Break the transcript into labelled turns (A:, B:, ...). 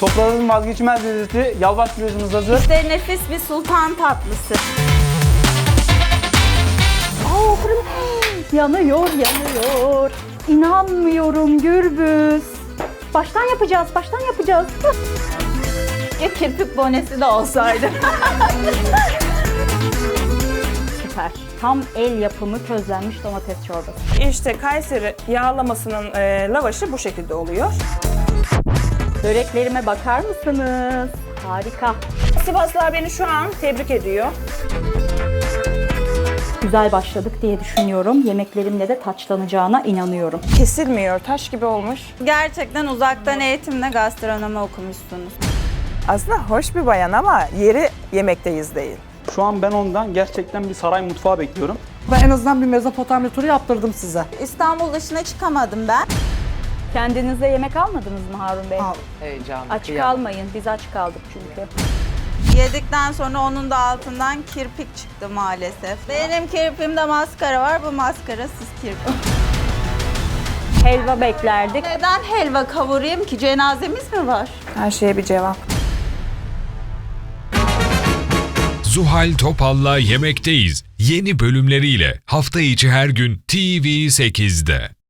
A: Sofraların vazgeçilmez lezzeti yalvaç pidemiz hazır.
B: İşte nefis bir sultan tatlısı. Fırın yanıyor, yanıyor. İnanmıyorum Gürbüz. Baştan yapacağız. Ya kirpik bonesi de olsaydı. Süper. Tam el yapımı közlenmiş domates çorbası.
C: İşte Kayseri yağlamasının lavaşı bu şekilde oluyor.
B: Böreklerime bakar mısınız? Harika.
C: Sivaslılar beni şu an tebrik ediyor.
B: Güzel başladık diye düşünüyorum. Yemeklerimle de taçlanacağına inanıyorum.
C: Kesilmiyor, taş gibi olmuş.
B: Gerçekten uzaktan eğitimle gastronomi okumuşsunuz.
C: Aslında hoş bir bayan ama yeri yemekteyiz değil.
A: Şu an ben ondan gerçekten bir saray mutfağı bekliyorum.
D: Ben en azından bir Mezopotamya turu yaptırdım size.
B: İstanbul dışına çıkamadım ben. Kendinize yemek almadınız mı Harun Bey?
E: Heyecanlı.
B: Aç
E: kıyamam.
B: kalmayın. Biz aç kaldık çünkü. Yedikten sonra onun da altından kirpik çıktı maalesef. Benim kirpiğimde maskara var. Bu maskarasız kirpik. Helva beklerdik. Neden helva kavurayım ki? Cenazemiz mi var?
C: Her şeye bir cevap.
F: Zuhal Topal'la Yemekteyiz yeni bölümleriyle hafta içi her gün TV8'de.